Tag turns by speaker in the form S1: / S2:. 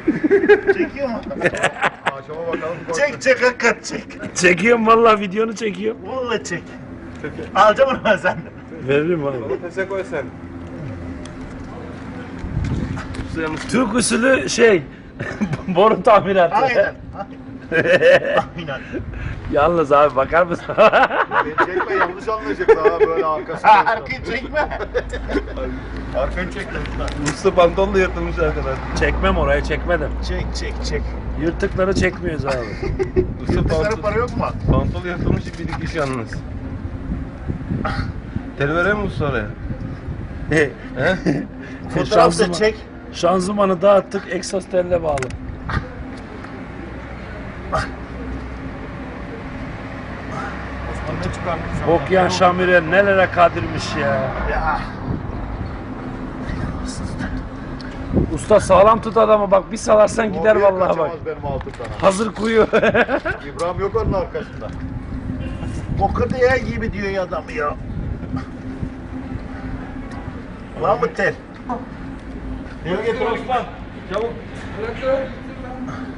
S1: Çekiyor mu?
S2: Akşama bakalım.
S1: Çek hakikat çek.
S3: Çekiyorum vallahi, videonu çekiyorum.
S1: Vallahi çek. Alacağım onu ben senden.
S3: Veririm abi.
S2: Onu pese koy sen.
S3: Türk usulü şey, boru tamiratı.
S1: Aynen. Aynen.
S3: Yalnız abi bakar mısın?
S2: Beni çekme, yanlış anlayacaklar ha böyle arkasına.
S1: Arkayı çekme.
S2: Arkayı çekme. Usta pantolonla yırtılmış arkadaş.
S3: Çekmem, oraya çekmedim.
S1: Çek.
S3: Yırtıkları çekmiyoruz abi.
S1: Yırtıklara para yok mu?
S2: Pantolon yırtılmış bir dikiş yalnız. Tel vereyim mi usta oraya? He?
S1: Fotoğraf da çek.
S3: Şanzımanı dağıttık, egzoz teline bağlı.
S1: Osman ne çıkarmış?
S3: Bokyan Şamire nelere kadirmiş ya.
S1: Ya.
S3: Usta sağlam tut adamı, bak bir salarsan gider vallahi bak.
S2: Benim altımdan.
S3: Hazır kuyu.
S2: İbrahim yok onun arkasında.
S1: Boku diye gibi diyor ya adam ya. Var mı tel?
S2: Gel getir Osman. Çabuk.